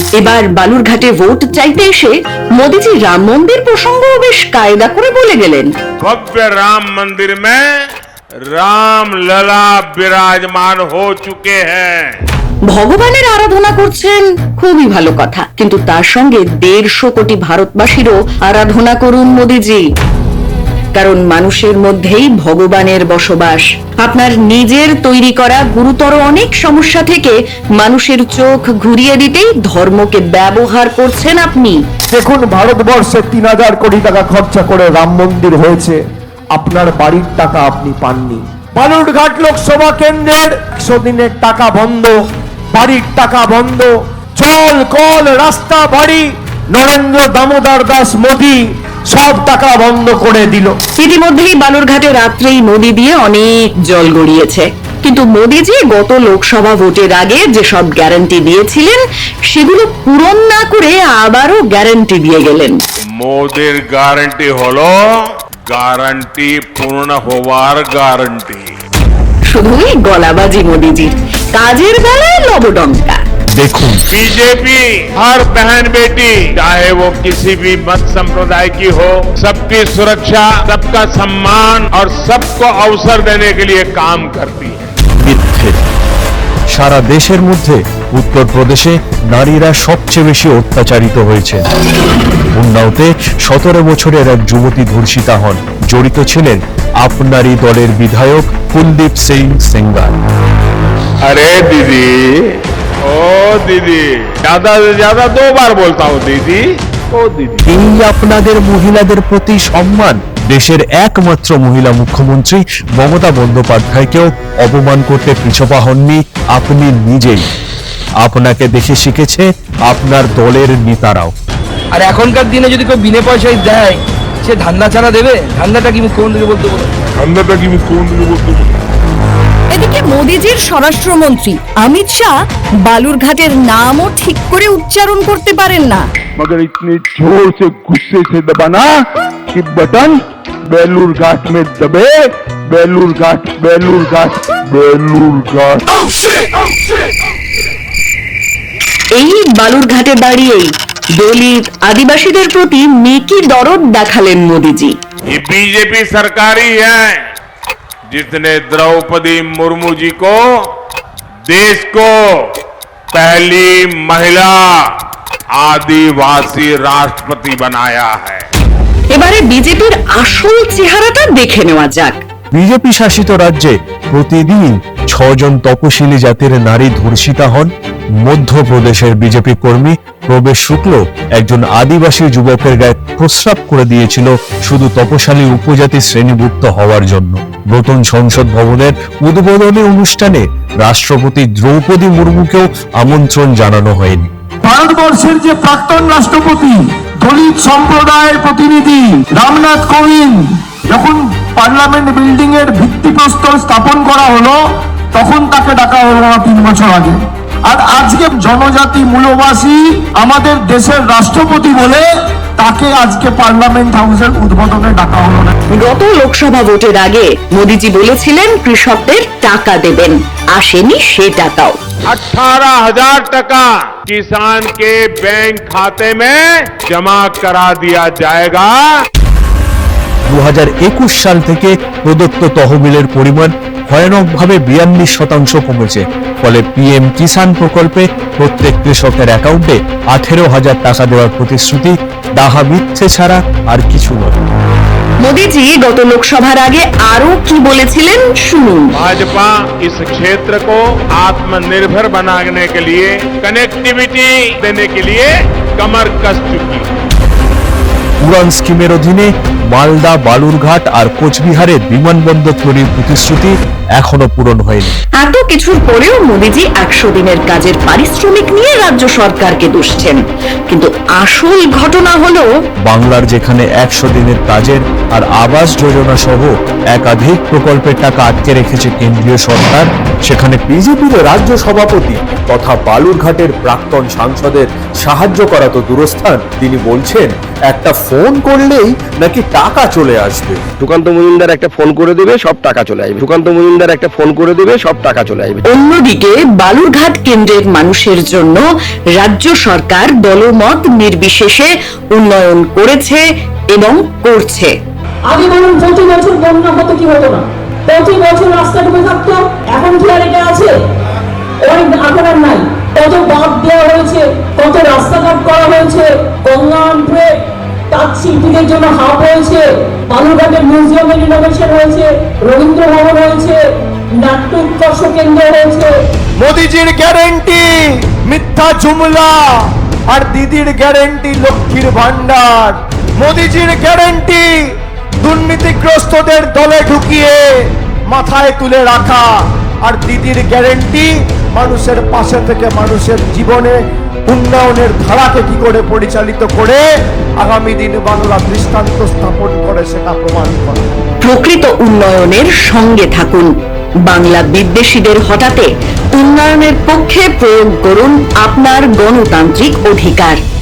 এবার বালুরঘাটে ভোট চাইতে এসে মোদিজি রাম মন্দির প্রসঙ্গও বেশ কায়দা করে বলে গেলেন। भव्य राम मंदिर में राम लला विराजमान हो चुके हैं। ভগবানের আরাধনা করছেন, খুবই ভালো কথা, কিন্তু তার সঙ্গে 150 কোটি ভারতবাসীরও আরাধনা করুন মোদিজি, কারণ মানুষের মধ্যেই ভগবানের বসবাস। আপনার নিজের তৈরি করা গুরুতর অনেক সমস্যা থেকে মানুষের চোখ ঘুরিয়ে দিতেই ধর্মকে ব্যবহার করছেন আপনি। দেখুন, ভারতবর্ষে 3000 কোটি টাকা খরচা করে রাম মন্দির হয়েছে, আপনার বাড়ির টাকা আপনি পাননি। বালুরঘাট লোকসভা কেন্দ্রের 100 দিনের টাকা বন্ধ, বাড়ির টাকা বন্ধ, জল কল রাস্তা বাড়ি নরেন্দ্র দামোদর দাস মোদী সব টাকা বন্ধ করে দিল। ইতিমধ্যেই বালুরঘাটে রাত্রেই নদী দিয়ে অনেক জল গড়িয়েছে, কিন্তু মোদিজি গত লোকসভা ভোটের আগে যেসব গ্যারান্টি দিয়েছিলেন সেগুলো পূরণ না করে আবারও গ্যারান্টি দিয়ে গেলেন। মোদির গ্যারান্টি হলো গ্যারান্টি পূর্ণ হওয়ার গ্যারান্টি। শুধুই গলাবাজি মোদিজির, কাজের বেলায় লবডঙ্কা। দেখুন, बीजेपी हर बहन बेटी चाहे वो किसी भी मत संप्रदाय की हो, सबकी सुरक्षा, सबका सम्मान और सबको अवसर देने के लिए काम करती है। মিথ্যে। সারা দেশের মধ্যে উত্তরপ্রদেশে নারীরা সবচেয়ে বেশি অত্যাচারিত হয়েছে। উন্নাওতে 17 বছরের এক যুবতী ধর্ষিতা হন। জড়িত ছিলেন আপনারই দলের বিধায়ক কুলদীপ সিং সেঙ্গার। अरे दीदी, ओ दीदी, ज्यादा से ज्यादा 2 बार बोलता हूँ दीदी, ओ दीदी। এই আপনাদের মহিলাদের প্রতি সম্মান। দেশের একমাত্র মহিলা মুখ্যমন্ত্রী মমতা বন্দ্যোপাধ্যায়কেও অপমান করতে পিছপা হননি আপনি নিজেই। আপনাকে দেখে শিখেছে আপনার দলের নেতারাও। আর এখনকার দিনে যদি কেউ বিনা পয়সায় দেয়, সে ধান্দা ছাড়া দেবে? ধান্দাটা কি কোন দিকে বলতে বলো? এদিকে মোদিজির স্বরাষ্ট্রমন্ত্রী অমিত শাহ বালুরঘাটের নামও ঠিক করে উচ্চারণ করতে পারেন না। मगर इतनी जोर से गुस्से से दबाना कि बटन बेलूरघाट में दबे। बेलूरघाट बेलूरघाट बेलूरघाट। এই বালুরঘাটে দাঁড়িয়েই দলিত আদিবাসীদের প্রতি মেকি দরদ দেখালেন মোদিজি। ये बीजेपी सरकार ही है जिसने द्रौपदी मुर्मू जी को देश को पहली महिला आदिवासी राष्ट्रपति बनाया है। এবারে বিজেপির আসল চেহারাটা দেখে নেওয়া যাক। বিজেপি শাসিত রাজ্যে প্রতিদিন 6 জন তপশিলি জাতির নারী ধর্ষিতা হন। মধ্যপ্রদেশের বিজেপি কর্মী প্রবেশ শুক্ল একজন আদিবাসী যুবকের গায়ে প্রস্রাব করে দিয়েছিল শুধু তপশালী উপজাতি শ্রেণীভুক্ত হওয়ার জন্য। নতুন সংসদ ভবনের উদ্বোধনী অনুষ্ঠানে রাষ্ট্রপতি দ্রৌপদী মুর্মুকেও আমন্ত্রণ জানানো হয়নি। ভারতবর্ষের যে প্রাক্তন রাষ্ট্রপতি দলিত সম্প্রদায়ের প্রতিনিধি রামনাথ কোবিন্দ যখন পার্লামেন্ট বিল্ডিং এর ভিত্তিপ্রস্তর স্থাপন করা হলো, তখন তাকে ডাকা হলো না 3 বছর আগে। আর আজকে জনজাতি মূলবাসী আমাদের দেশের রাষ্ট্রপতি বলে তাকে আজকে পার্লামেন্ট হাউসের উদ্বোধনে ডাকা হলো না। গত লোকসভা ভোটের আগে মোদিজি বলেছিলেন কৃষকদের টাকা দেবেন, আসেনি সে টাকাও। 18,000 टका किसान के बैंक खाते में जमा करा दिया जाएगा। 2021 সাল থেকে প্রদত্ত তহবিলের পরিমাণ ভয়ানকভাবে 42% কমেছে। ফলে পিএম কিষাণ প্রকল্পে প্রত্যেক কৃষকের অ্যাকাউন্টে 18,000 টাকা দেওয়ার প্রতিশ্রুতি ডাহা মিথ্যে ছাড়া আর কিছু নয়। মোদিজি গত লোকসভার আগে আরো কি বলেছিলেন শুনুন। भाजपा इस क्षेत्र को आत्मनिर्भर बनाने के लिए, कनेक्टिविटी देने के लिए कमर कस चुकी है। উড়ান স্কিমের অধীনে মালদা, বালুরঘাট আর কোচবিহারে বিমানবন্দর তৈরির প্রতিশ্রুতি এখনো পূরণ হয়নি। এত কিছুর পরেও মোদিজি 100 দিনের কাজের পারিশ্রমিক নিয়ে রাজ্য সরকারকে দুষছেন, কিন্তু আসল ঘটনা হলো বাংলার যেখানে 100 দিনের কাজের আর আবাস যোজনা সহ একাধিক প্রকল্পের টাকা আটকে রেখেছে কেন্দ্রীয় সরকার, সেখানে বিজেপির রাজ্য সভাপতি তথা বালুরঘাটের প্রাক্তন সাংসদের সাহায্য করা তো দূরস্থান, তিনি বলছেন একটা ফোন করলেই নাকি টাকা চলে আসবে। সুকান্ত মজুমদার একটা ফোন করে দেবে, সব টাকা চলে আসবে। সুকান্ত মজুমদার একটা ফোন করে দেবে, সব টাকা চলে আসবে। অন্যদিকে বালুরঘাট কেন্দ্রের মানুষের জন্য রাজ্য সরকার দলমত নির্বিশেষে উন্নয়ন করেছে এবং করছে। আগে বলুন প্রতি বছর বন্যা হতো কি হতো না, প্রতি বছর রাস্তা ডুবে থাকতো, এখন কি আর এটা আছে? অনেক এখন আর নাই। কত বাঁধ দেওয়া হয়েছে, কত রাস্তাঘাট করা হয়েছে, গঙ্গা তাঁত শিল্পীদের জন্য হাব হয়েছে, বালুরঘাটের মিউজিয়ামের রিনোভেশন হয়েছে, রবীন্দ্র ভবন হয়েছে, নাট্য উৎকর্ষ কেন্দ্র হয়েছে। মোদিজির গ্যারেন্টি মিথ্যা জুমলা, আর দিদির গ্যারেন্টি লক্ষ্মীর ভান্ডার। মোদিজির গ্যারেন্টি দুর্নীতিগ্রস্তদের দলে ঢুকিয়ে মাথায় তুলে রাখা, আর দিদির গ্যারেন্টি মানুষের পাশে থেকে মানুষের জীবনে উন্নয়নের ধারাকে কি করে পরিচালিত করে আগামী দিন বাংলা দৃষ্টান্ত স্থাপন করে সেটা প্রমাণ করে। প্রকৃত উন্নয়নের সঙ্গে থাকুন। বাংলা বিদ্বেষীদের হটাতে উন্নয়নের পক্ষে প্রয়োগ করুন আপনার গণতান্ত্রিক অধিকার।